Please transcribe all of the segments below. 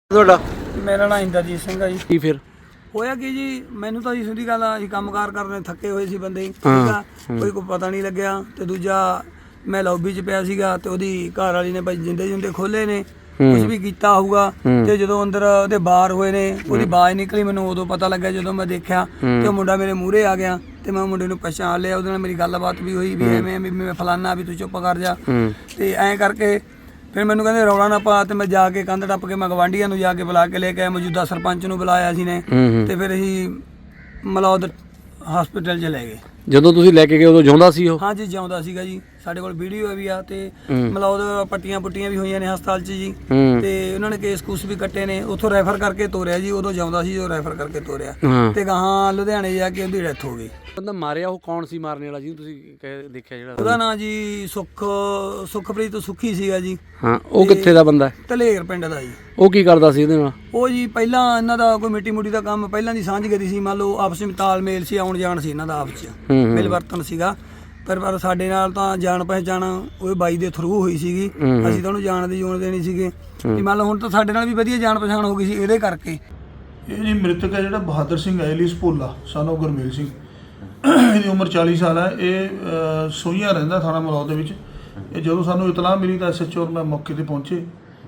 ਤੁਹਾਡਾ? ਮੇਰਾ ਨਾਮ ਇੰਦਰਜੀਤ ਸਿੰਘ ਆ ਜੀ। ਕੀ ਫਿਰ ਹੋਇਆ ਕੀ ਜੀ, ਮੈਨੂੰ ਤਾਂ ਜੀ ਸਿੱਧੀ ਗੱਲ ਆ, ਅਸੀਂ ਕੰਮਕਾਰ ਕਰਨੇ ਥੱਕੇ ਹੋਏ ਸੀ ਬੰਦੇ, ਠੀਕ ਆ, ਕੋਈ ਪਤਾ ਨਹੀਂ ਲੱਗਿਆ। ਤੇ ਦੂਜਾ ਮੈਂ ਲੌਬੀ 'ਚ ਪਿਆ ਸੀਗਾ ਤੇ ਉਹਦੀ ਘਰ ਵਾਲੀ ਨੇ ਭਾਈ ਜਿੰਦੇ ਜੁੰਦੇ ਖੋਲੇ ਨੇ, ਕੁਝ ਵੀ ਕੀਤਾ ਹੋਊਗਾ। ਤੇ ਜਦੋਂ ਅੰਦਰ ਉਹਦੇ ਬਾਹਰ ਹੋਏ ਨੇ, ਉਹਦੀ ਆਵਾਜ਼ ਨਿਕਲੀ, ਮੈਨੂੰ ਉਦੋਂ ਪਤਾ ਲੱਗਿਆ ਜਦੋਂ ਮੈਂ ਦੇਖਿਆ ਤੇ ਉਹ ਮੁੰਡਾ ਮੇਰੇ ਮੂਹਰੇ ਆ ਗਿਆ ਤੇ ਮੈਂ ਮੁੰਡੇ ਨੂੰ ਪਛਾਣ ਲਿਆ। ਉਹਦੇ ਨਾਲ ਮੇਰੀ ਗੱਲਬਾਤ ਵੀ ਹੋਈ ਵੀ ਐਵੇਂ ਵੀ ਮੈਂ ਫਲਾਨਾ ਵੀ ਤੂੰ ਚੁੱਪ ਕਰ ਜਾ। ਤੇ ਐਂ ਕਰਕੇ ਫਿਰ ਮੈਨੂੰ ਕਹਿੰਦੇ ਰੌਲਾ ਨਾ ਪਾ, ਤੇ ਮੈਂ ਜਾ ਕੇ ਕੰਧ ਟੱਪ ਕੇ ਮੈਂ ਗਵਾਂਢੀਆਂ ਨੂੰ ਜਾ ਕੇ ਬੁਲਾ ਕੇ ਲੈ ਕੇ ਆਇਆ, ਮੌਜੂਦਾ ਸਰਪੰਚ ਨੂੰ ਬੁਲਾਇਆ ਸੀ ਨੇ। ਤੇ ਫਿਰ ਅਸੀਂ ਮਲੌਦ ਹਸਪੀਟਲ 'ਚ ਲੈ ਗਏ। ਜਦੋਂ ਤੁਸੀਂ ਲੈ ਕੇ ਗਏ ਉਦੋਂ ਜਿਉਂਦਾ ਸੀ ਉਹ? ਹਾਂਜੀ ਜਿਉਂਦਾ ਸੀਗਾ ਜੀ, ਸਾਡੇ ਕੋਲ ਵੀਡੀਓ ਵੀ ਆ ਤੇ ਮਲੌਦ ਪੱਟੀਆਂ ਪੁੱਟੀਆਂ ਵੀ ਹੋਈਆਂ ਨੇ ਹਸਪਤਾਲ 'ਚ ਜੀ। ਤੇ ਉਹਨਾਂ ਨੇ ਕੇਸ ਕੂਸ ਵੀ ਕੱਟੇ ਨੇ, ਉੱਥੋਂ ਰੈਫਰ ਕਰਕੇ ਤੋਰਿਆ ਜੀ। ਉਦੋਂ ਜਿਉਂਦਾ ਸੀ ਜੋ ਰੈਫਰ ਕਰਕੇ ਤੋਰਿਆ ਤੇ ਗਾਹਾਂ ਲੁਧਿਆਣੇ ਜਾ ਕੇ ਉਹਦੀ ਡੈਥ ਹੋ ਗਈ। ਬੰਦਾ ਮਾਰਿਆ ਉਹ ਕੌਣ ਸੀ ਮਾਰਨੇ ਵਾਲਾ ਜਿਹਨੂੰ ਤੁਸੀਂ ਦੇਖਿਆ ਜਿਹੜਾ? ਉਹਦਾ ਨਾਂ ਜੀ ਸੁਖਪ੍ਰੀਤ ਤੋਂ ਸੁੱਖੀ ਸੀਗਾ ਜੀ। ਹਾਂ, ਉਹ ਕਿੱਥੇ ਦਾ ਬੰਦਾ? ਧਲੇਰ ਪਿੰਡ ਦਾ ਜੀ। ਉਹ ਕੀ ਕਰਦਾ ਸੀ ਉਹਦੇ ਨਾਲ? ਉਹ ਜੀ ਪਹਿਲਾਂ ਇਹਨਾਂ ਦਾ ਕੋਈ ਮਿੱਟੀ ਮੁੱਟੀ ਦਾ ਕੰਮ ਪਹਿਲਾਂ ਦੀ ਸਾਂਝ ਗਰੀ ਸੀ, ਮੰਨ ਲਓ ਆਪਸ ਵਿੱਚ ਤਾਲਮੇਲ ਸੀ, ਆਉਣ ਜਾਣ ਸੀ ਇਹਨਾਂ ਦਾ ਆਪਸ 'ਚ ਮਿਲ ਵਰਤਨ ਸੀਗਾ। ਪਰ ਸਾਡੇ ਨਾਲ ਤਾਂ ਜਾਣ ਪਹਿਚਾਣ ਉਹ ਬਾਈ ਦੇ ਥਰੂ ਹੋਈ ਸੀਗੀ, ਅਸੀਂ ਤਾਂ ਉਹਨੂੰ ਜਾਣ ਦੀ ਜੋਨ ਦੇਣੀ ਸੀਗੇ ਵੀ ਮੰਨ ਲਓ ਹੁਣ ਤਾਂ ਸਾਡੇ ਨਾਲ ਵੀ ਵਧੀਆ ਜਾਣ ਪਛਾਣ ਹੋ ਗਈ ਸੀ ਇਹਦੇ ਕਰਕੇ। ਇਹ ਜੀ ਮ੍ਰਿਤਕ ਹੈ ਜਿਹੜਾ ਬਹਾਦਰ ਸਿੰਘ ਐਲੀਸ ਭੋਲਾ ਸਾਨੂੰ ਗੁਰਮੇਲ ਸਿੰਘ, ਇਹਦੀ ਉਮਰ 40 ਸਾਲ ਹੈ। ਇਹ ਸੋਈਆਂ ਰਹਿੰਦਾ ਥਾਣਾ ਮਲੌਦ ਦੇ ਵਿੱਚ। ਇਹ ਜਦੋਂ ਸਾਨੂੰ ਇਤਲਾਹ ਮਿਲੀ ਤਾਂ ਐਸਐਚਓ ਔਰ ਮੈਂ ਮੌਕੇ ਤੇ ਪਹੁੰਚੇ।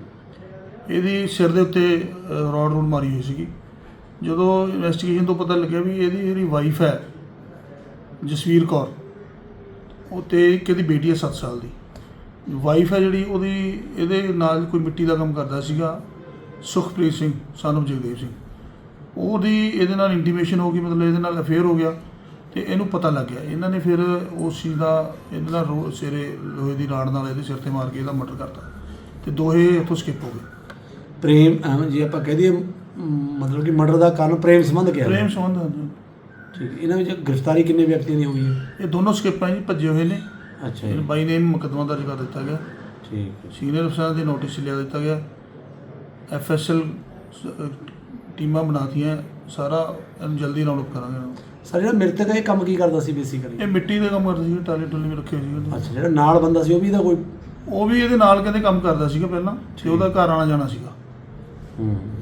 ਇਹਦੀ ਸਿਰ ਦੇ ਉੱਤੇ ਰੋਡ ਮਾਰੀ ਹੋਈ ਸੀਗੀ। ਜਦੋਂ ਇਨਵੈਸਟੀਗੇਸ਼ਨ ਤੋਂ ਪਤਾ ਲੱਗਿਆ ਵੀ ਇਹਦੀ ਜਿਹੜੀ ਵਾਈਫ ਹੈ ਜਸਵੀਰ ਕੌਰ, ਉਹ ਤੇ ਇੱਕ ਇਹਦੀ ਬੇਟੀ ਹੈ 7 ਸਾਲ ਦੀ। ਵਾਈਫ ਹੈ ਜਿਹੜੀ ਉਹਦੀ ਇਹਦੇ ਨਾਲ ਕੋਈ ਮਿੱਟੀ ਦਾ ਕੰਮ ਕਰਦਾ ਸੀਗਾ, ਸੁਖਪ੍ਰੀਤ ਸਿੰਘ ਸਾਨੂੰ ਜਗਦੇਵ ਸਿੰਘ। ਉਹਦੀ ਇਹਦੇ ਨਾਲ ਇੰਟੀਮੇਸ਼ਨ ਹੋ ਗਈ, ਮਤਲਬ ਇਹਦੇ ਨਾਲ ਅਫੇਅਰ ਹੋ ਗਿਆ ਤੇ ਇਹਨੂੰ ਪਤਾ ਲੱਗ ਗਿਆ। ਇਹਨਾਂ ਨੇ ਫਿਰ ਉਸ ਚੀਜ਼ ਦਾ ਇਹਦੇ ਨਾਲ ਸਿਰੇ ਲੋਹੇ ਦੀ ਰਾੜ ਨਾਲ ਇਹਦੇ ਸਿਰ ਤੇ ਮਾਰ ਕੇ ਇਹਦਾ ਮਰਡਰ ਕਰਤਾ ਤੇ ਦੋਹੇ ਇੱਥੋਂ ਸਕਿਪ ਹੋ ਗਏ। ਪ੍ਰੇਮ ਜੇ ਆਪਾਂ ਕਹਿ ਦਈਏ ਮਤਲਬ ਕਿ ਮਰਡਰ ਦਾ ਕਾਰਨ ਪ੍ਰੇਮ ਸੰਬੰਧ ਕਿਹਾ? ਪ੍ਰੇਮ ਸੰਬੰਧ ਹਨ। ਠੀਕ। ਇਹਨਾਂ ਵਿੱਚ ਗ੍ਰਿਫਤਾਰੀ ਕਿੰਨੇ ਵਿਅਕਤੀਆਂ ਦੀ ਹੋਈ ਹੈ? ਇਹ ਦੋਨੋਂ ਸਕਿਪ ਹੈ ਜੀ, ਭੱਜੇ ਹੋਏ ਨੇ। ਅੱਛਾ ਇਹ ਬਾਈ ਨੇ ਮੁਕੱਦਮਾ ਦਰਜ ਕਰ ਦਿੱਤਾ ਗਿਆ। ਠੀਕ। ਸੀਨੀਅਰ ਅਫਸਰਾਂ ਦੇ ਨੋਟਿਸ ਲਿਆ ਦਿੱਤਾ ਗਿਆ। ਐਫਐਸਐਲ ਟੀਮਾਂ ਬਣਾਤੀਆਂ, ਸਾਰਾ ਇਹਨੂੰ ਜਲਦੀ ਰਾਉਂਡ ਅਪ ਕਰਾਂਗੇ। ਸਰ ਜਿਹੜਾ ਮ੍ਰਿਤਕ ਹੈ ਇਹ ਕੰਮ ਕੀ ਕਰਦਾ ਸੀ ਬੇਸਿਕਲੀ? ਇਹ ਮਿੱਟੀ ਦਾ ਕੰਮ ਕਰਦਾ ਸੀ, ਟਾਲੇ ਟੁਲੇ ਵੀ ਰੱਖੇ ਸੀ। ਅੱਛਾ, ਜਿਹੜਾ ਨਾਲ ਬੰਦਾ ਸੀ ਉਹ ਵੀ ਇਹਦਾ ਕੋਈ? ਉਹ ਵੀ ਇਹਦੇ ਨਾਲ ਕਹਿੰਦੇ ਕੰਮ ਕਰਦਾ ਸੀਗਾ ਪਹਿਲਾਂ ਤੇ ਉਹਦਾ ਘਰ ਆਣਾ ਜਾਣਾ ਸੀਗਾ।